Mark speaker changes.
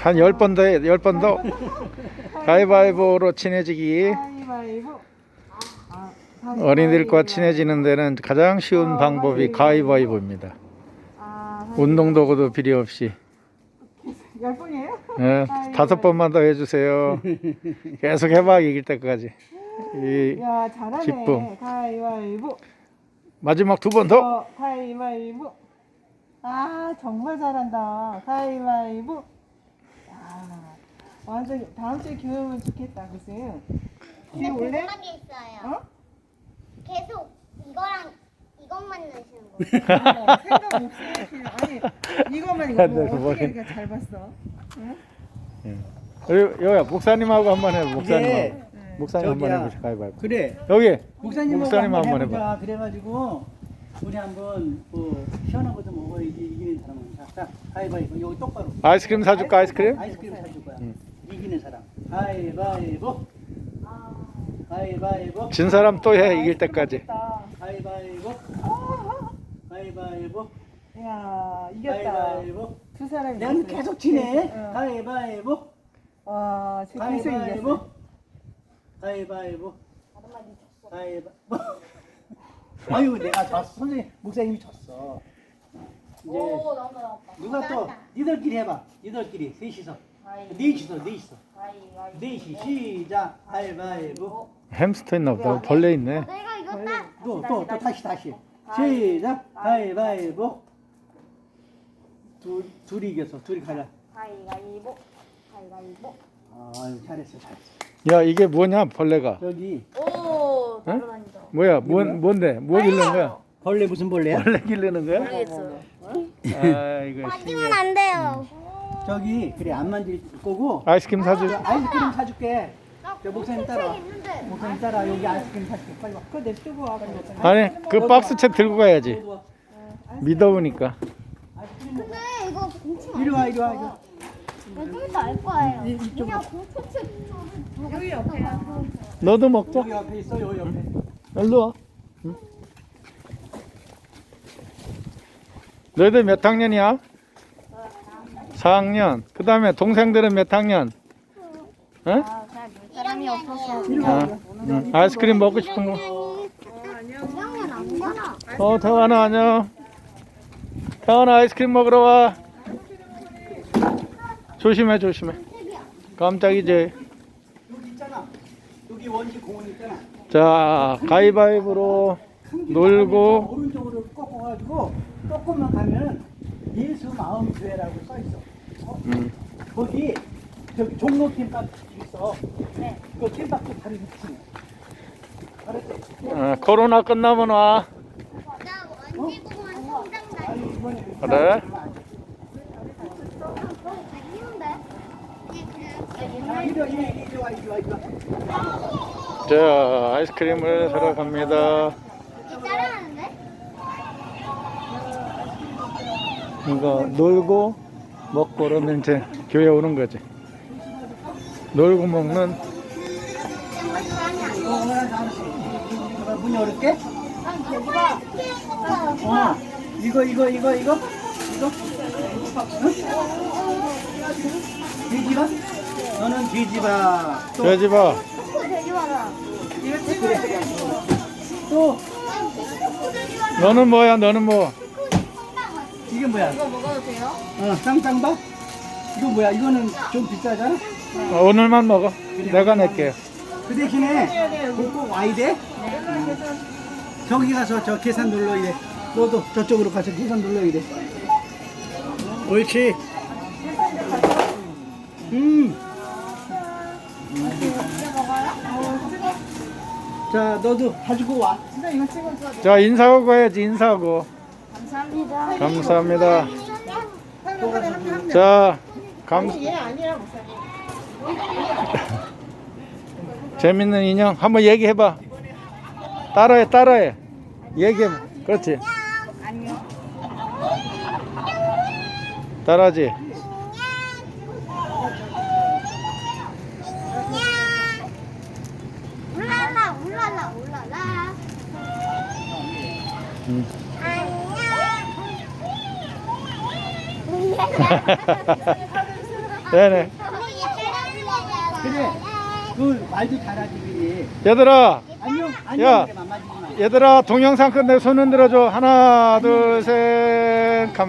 Speaker 1: 한 10번 더 해, 10번 더. 가위바위보로 친해지기.
Speaker 2: 가위바위보.
Speaker 1: 어린이들과 친해지는 데는 가장 쉬운 방법이 가위바위보입니다. 운동도구도 필요 없이.
Speaker 2: 10번이에요?
Speaker 1: 네, 5번만 더 해주세요. 계속 해봐, 이길 때까지. 이
Speaker 2: 야, 잘하네.
Speaker 1: 기쁨.
Speaker 2: 가위바위보.
Speaker 1: 마지막 2번 더.
Speaker 2: 가위바위보. 아, 정말 잘한다. 가위바위보. 아, 완전 다음 주에 교육은 좋겠다, 글쎄요.
Speaker 3: 근데
Speaker 2: 올래?
Speaker 3: 궁금한 게 있어요.
Speaker 2: 어?
Speaker 3: 계속 이거랑 이것만 넣으시는 거예요?
Speaker 2: 생각 없이 아니 이거만 이거 뭐 어떻게 이렇게 잘 봤어? 응?
Speaker 1: 여기 목사님하고 한번 해. 목사님하고.
Speaker 4: 이게
Speaker 1: 목사님 한번
Speaker 4: 저기야.
Speaker 1: 해보시. 가위바위보.
Speaker 4: 그래.
Speaker 1: 여기
Speaker 4: 목사님
Speaker 1: 목사님
Speaker 4: 한번
Speaker 1: 한번
Speaker 4: 해보자. 그래가지고 우리 한번 뭐 시원한 것도 먹어야지 이기는 사람은. 자, 가위바위보. 여기 똑바로.
Speaker 1: 아이스크림 사줄까? 아이스크림?
Speaker 4: 아이스크림 사줄 거야.
Speaker 1: 응.
Speaker 4: 이기는 사람. 가위바위보. 가위바위보.
Speaker 1: 진 사람 또 해, 이길 때까지.
Speaker 4: 가위바위보. 가위바위보.
Speaker 2: 야 이겼다.
Speaker 4: 가위바위보.
Speaker 2: 두 사람이.
Speaker 4: 내가
Speaker 2: 이겼어요.
Speaker 4: 계속 치네.
Speaker 2: 응.
Speaker 4: 가위바위보.
Speaker 2: 와 지금 계속
Speaker 4: 가위바위보.
Speaker 2: 이겼어.
Speaker 4: 가위바위보. 가위바위보. 아유 내가 졌어. 선생님 목사님이 졌어. 이제
Speaker 3: 오, 나왔다.
Speaker 4: 누가 또 니들끼리 해봐. 니들끼리 셋이서. 넷이서. 넷이 시작. 가위바위보.
Speaker 1: 햄스터 있나 보다. 벌레 있네.
Speaker 3: 내가 이겼다.
Speaker 4: 또 다시. 시작. 가위바위보. 둘이 이겼어. 둘이 가자.
Speaker 3: 가위바위보.
Speaker 4: 아유 잘했어.
Speaker 1: 야, 이게 뭐냐, 벌레가.
Speaker 4: 여기
Speaker 3: 오,
Speaker 1: 응?
Speaker 3: 날아다닌다.
Speaker 1: 뭐야, 뭔데? 뭐 기르는 거야?
Speaker 4: 벌레 무슨 벌레야?
Speaker 1: 벌레 기르는 거야?
Speaker 3: 모르겠어요.
Speaker 1: 아, 이거
Speaker 3: 만지면
Speaker 1: 신기해.
Speaker 3: 안 돼요.
Speaker 4: 저기 그래 안 만질 거고.
Speaker 1: 아이스크림 사줄.
Speaker 4: 저 아이스크림 사줄게. 저 목사님 따라와.
Speaker 3: 있는데.
Speaker 4: 목사님 따라 여기 아이스크림 사줄게. 빨리 와.
Speaker 2: 그거 냅두고 와. 빨리.
Speaker 1: 아니, 그 박스채 들고 가야지.
Speaker 4: 와.
Speaker 1: 믿어보니까.
Speaker 4: 아이스크림
Speaker 3: 근데 이거 공치
Speaker 4: 이리 와.
Speaker 3: 좀 이따 알 거예요.
Speaker 4: 이쪽
Speaker 3: 그냥 공포책
Speaker 2: 여기 옆에야.
Speaker 1: 너도 먹자.
Speaker 4: 여기 옆에 있어. 여기 옆에.
Speaker 1: 일로 와. 응? 너희들 몇 학년이야? 4학년. 그 다음에 동생들은 몇 학년? 응?
Speaker 3: 사람이 없어서.
Speaker 1: 아, 응. 아이스크림 먹고 싶은 거.
Speaker 3: 그냥은 안 되나?
Speaker 1: 태환아 안녕. 태환아 아이스크림 먹으러 와. 조심해. 깜짝이지.
Speaker 4: 여기 있잖아. 여기 원지 공원 있잖아.
Speaker 1: 자, 가위바위보로 놀고.
Speaker 4: 오른쪽으로 꺾어가지고 조금만 가면 예수 마음 교회라고 써 있어. 거기 저기 종로 캠프 있어. 네. 그 캠프 바로 6층. 알았지?
Speaker 1: 코로나 끝나면 와.
Speaker 3: 나 원지공원 성장 날.
Speaker 4: 아니 이번에
Speaker 1: 그래?
Speaker 4: 이리 와.
Speaker 1: 자, 아이스크림을 사러 갑니다.
Speaker 3: 따라하는데?
Speaker 1: 이거 놀고 먹고 그러면 이제 교회 오는 거지. 놀고 먹는.
Speaker 4: 문 열을게. 이거. 돼지바? 너는 돼지바.
Speaker 1: 돼지봐.
Speaker 3: 되게 많아.
Speaker 4: 또
Speaker 1: 너는 뭐야? 너는 뭐?
Speaker 4: 이게 뭐야?
Speaker 3: 이거 먹어도 돼요?
Speaker 4: 쌍쌍바? 이거 뭐야? 이거는 좀 비싸잖아?
Speaker 1: 오늘만 먹어. 내가 낼게.
Speaker 4: 그 대신에 꼭 와야 돼? 저기 가서 저 계산 눌러야 돼. 너도 저쪽으로 가서 계산 눌러야 돼. 옳지. 자, 너도 가지고 와.
Speaker 2: 진짜 이거 찍어줘.
Speaker 1: 자, 인사하고 가야지. 인사하고.
Speaker 3: 감사합니다.
Speaker 1: 감사합니다.
Speaker 2: 하나.
Speaker 1: 자,
Speaker 2: 얘 아니야 목사님.
Speaker 1: 재밌는 인형 한번 얘기해봐. 따라해. 얘기해봐. 그렇지. 따라하지.
Speaker 3: 울랄라. 안녕.
Speaker 1: 네네.
Speaker 4: 그래. 그 말도 잘하지 그래.
Speaker 1: 얘들아,
Speaker 4: 안녕
Speaker 1: 야.
Speaker 4: 안녕 그래 맘마지지 마.
Speaker 1: 얘들아 동영상 끝내고 손 흔들어줘. 하나, 둘, 셋.